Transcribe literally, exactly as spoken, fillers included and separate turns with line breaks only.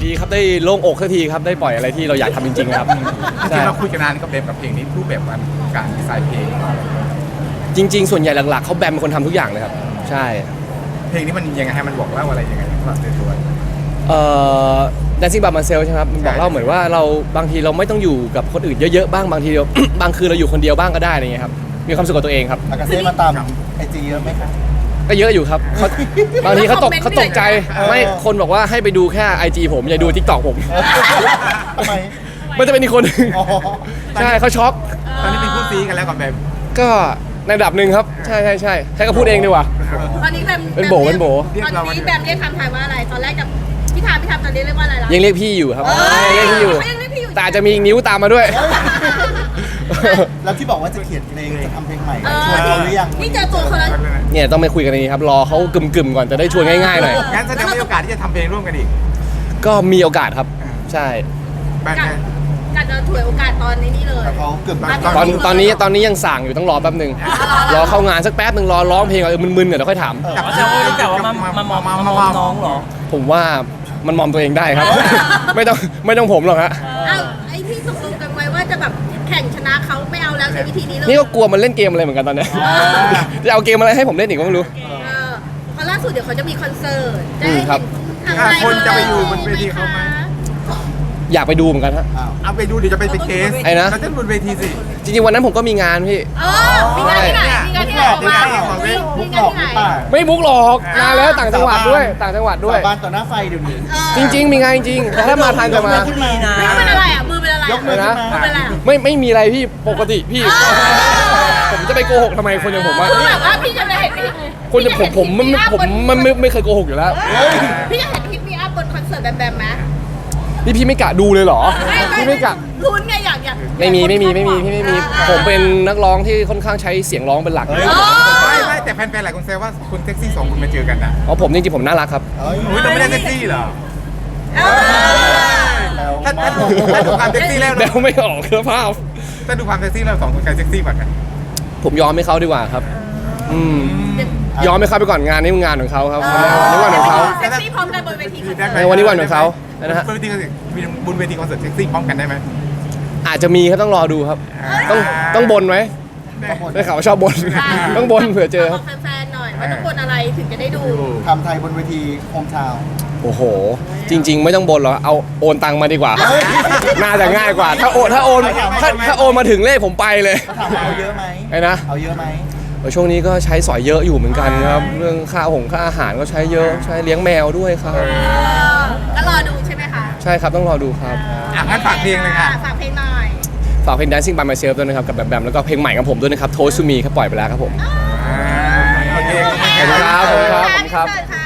ดีครับได้โล่งอกสักทีครับได้ปล่อยอะไรที่เราอยากทำจริงๆครับ
จริงๆเราคุยกันนานกับเบมกับเพลงนี้รูปแบบมันการดีไซน์เพลง
จริงๆส่วนใหญ่หลักๆเขาแบมเป็นคนทำทุกอย่างเลยครับใช่
เพลงนี้มันยังไงให้มันบอกเล่าอะไรยังไงสำหรับตัว
เอ่อ Dancing by Myself ใช่ไหมครับมันบอกเล่าเหมือนว่าเราบางทีเราไม่ต้องอยู่กับคนอื่นเยอะๆบ้างบางทีเรา บางคืนเราอยู่คนเดียวบ้างก็ได้อะไรเงี้ยครับมีความสุขกับตัวเองครับ
อากาเซ่มาตามไอจีเยอะไหมคะ
ก็เยอะอยู่ครับเขาบางทีเขาตกเขาตกใจ
เออ
ไม่คนบอกว่าให้ไปดูแค่ ไอ จี ผมอย่าดู TikTok ผม
ทำไม
มันจะเป็นอีกคนหนึ่ง
อ๋อ
ใช่เขาช็อก
ตอนนี้เป็นคู่ซีกันแล้วกับเบม
ก็ในระดับหนึ่งครับใช่ใช่ใช่ใช้ก็พูดเองดีกว่า
ตอนนี้แบม
เป็นโบเป็นโบ
ตอนนี้แบมเรียกคำไทยว่าอะไรตอนแรกกับพี่ทามพี่ทามตอนนี้เรียกว่าอะไรล่ะ
ยังเรียกพี่อยู่ครับ
เออ
ยังเรียกพี่อยู่
เขายังเรียกพี่อยู่
แต่อาจจะมีอีกนิ้วตามมาด้วย
แล้วที่บอกว่าจะเขียนเพลงจะทำเพลงใหม่
เอ
ชวน
อ
เขาหรือยัง
นี่เจอตัวเขาแล้ว
เนี่ยต้องไปคุยกันนี้ครับรอเขากึ่มๆก่อนจะได้ชวนง่ายๆหน่อย
งั้นแสดงว่ามีโอกาสที่จะทำเพลงร่วมกันอีก
ก็มีโอกาสครับใช่
แบม
กัดกัดจะถวยโอกาสตอนนี้นี่เลย
แต่เขาเกือบ
ตอนตอนนี้ตอนนี้ยังสั่งอยู่ต้องรอแป๊บหนึงรอเข้างานสักแป๊บหนึ่งรอร้องเพลงก่อนเออมึนๆเดี๋ยวค่อยถาม
จับ
จะพูดแต่ว่ามามามองมามองน้องเหรอ
ผมว่ามันมอมตัวเองได้ครับ ไม่ต้องไม่ต้องผมหรอกฮะ
เอ้าไอ้ที่ตกลงกันไว้ว่าจะแบบแข่งชนะเขาไม่เอาแล้วใช้วิธีนี้เลย
นี่ก็กลัวมันเล่นเกมอะไรเหมือนกันตอนเนี้ยจะเอาเกมอะไรให้ผมเล่นอีกก็ไม่รู้
เออเพราะล่าสุดเดี๋ยวเขาจะมีคอนเสิร์ตจะ
อืม
ได้
ครับ
เห็นทาง
คนจะไปอยู่บนเวทีเขาไหม
อยากไปดูเหมือนกันฮะ
อ้าว
เอาไปดูเดี๋ยวจะไปเป็นเคส
ไอ้นะ
เราจะบนเวทีสิ
จริงๆวันนั้นผมก็มีงานพี่
เออมีงานที่ไหนมีงานที่ไหนออกมา
เออ
มี
มุก
งา
หล
น
อก
ที่
ห
ไหน
รือเปล่า
ไม่มุกหรอกนานแล้วต่างจังหวัดด้วยต่างจังหวัดด้วย
สาบานต่อหน้าไฟเดี๋ยวนี้
จริง ๆ มีงานจริงแต่ถ้ามาทานจะมา
ขึ้นมา
นะ
มือเป็นอะไรอ่ะมือเป็นอะไร
ยกมือขึ้น
มือ
มา
เป็นอะไรอ่ะ
ไม่ไม่มีอะไรพี่ปกติพี่ ผมจะไปโกหกทำไมคนอย่างผมอะ
คือแบบว่าพี่จะไม่เห็นพี่
คนอย่างผมผมมันผมมันไม่ไม่เคยโกหกอยู่แล้ว
พี่จะเห็นคลิปมีอัพบนคอนเสิร์ตแบมแบมไหม
นี่พี่ไม่กะดูเลยเหรอพี่ไม่กะ
ลุ้นไงอยากอยาก
ไม่มีไม่มีไม่มีพี่ไม่มี ผมเป็นนักร้องที่ค่อนข้างใช้เสียงร้องเป็นหลัก
เฮ้ย
ไม่ไม่แต่แฟนๆหลายคนแซวว่าคุณเซ็กซี่สองคนมาเจอกันนะ
อ๋อผมจริงๆผมน่ารักครับ
เอ้ย
อุ้ยเราไม่ได้เซ็กซี่เหรอ
เออ
แล้ว
ถ้าถ้าถ้าดูความเซ็กซี่แล้ว
เดาไม่ออกคือภาพ
ถ้าดูความเซ็กซี่เราสองคนใครเซ็กซี่กว่ากัน
ผมยอมให้เขาดีกว่าครับ อืมยอมให้เขาไปก่อนงานนี้งานของเขาครับนี่วันของเขา
เซ็กซี่พร้อมกันบนเวทีคอนเสิร์ต
ในวันนี้วันของเขานะฮะ
บนเวทีคอนเสิร์ตมีบนเวทีคอนเสิร์ตเซ็กซี่พร้อมกันได้ไหม
อาจจะมีครับต้องรอดูครับ ต้องต้องบนไหมได้ข่าวว่าชอบบน ต้องบนเผื่อเจอครับ
บอกแฟนๆหน่อยว่าต้องบนอะไรถึงจะได้ดู
ทำไทยบนเวทีโฮมทาวน์
โอ้โห จริง ๆ ไม่ต้องบนหรอกเอาโอนตังมาดีกว่า
เฮ้ย
น่าจะง่ายกว่า ถ้าโอนถ้าโอนถ้าถ้าโอนมาถึงเลขผมไปเลย
ถามว่าเอาเยอะไหม
ไอ้นะ
เอาเยอะไหม
เออช่วงนี้ก็ใช้สอยเยอะอยู่เหมือนกันครับ เรื่องค่าหงค่าอาหารก็ใช้เยอะใช้เลี้ยงแมวด้วยครับ
เออก็รอดูใช่ไหมคะ
ใช่ครับต้องรอดูครับ
อ่ะงั้นฝากเพลงเลยค่ะ
อ่ฝากเพลงหน่อย
ฝากเพลง Dancing by Myself ด้วยนะครับกับแบมแบมแล้วก็เพลงใหม่ของผมด้วยนะครับ Toast to Me ครับปล่อยไปแล้วครับผม
โอเค
ขอบคุณครับขอบคุณครับ
ขอบคุณค่ะ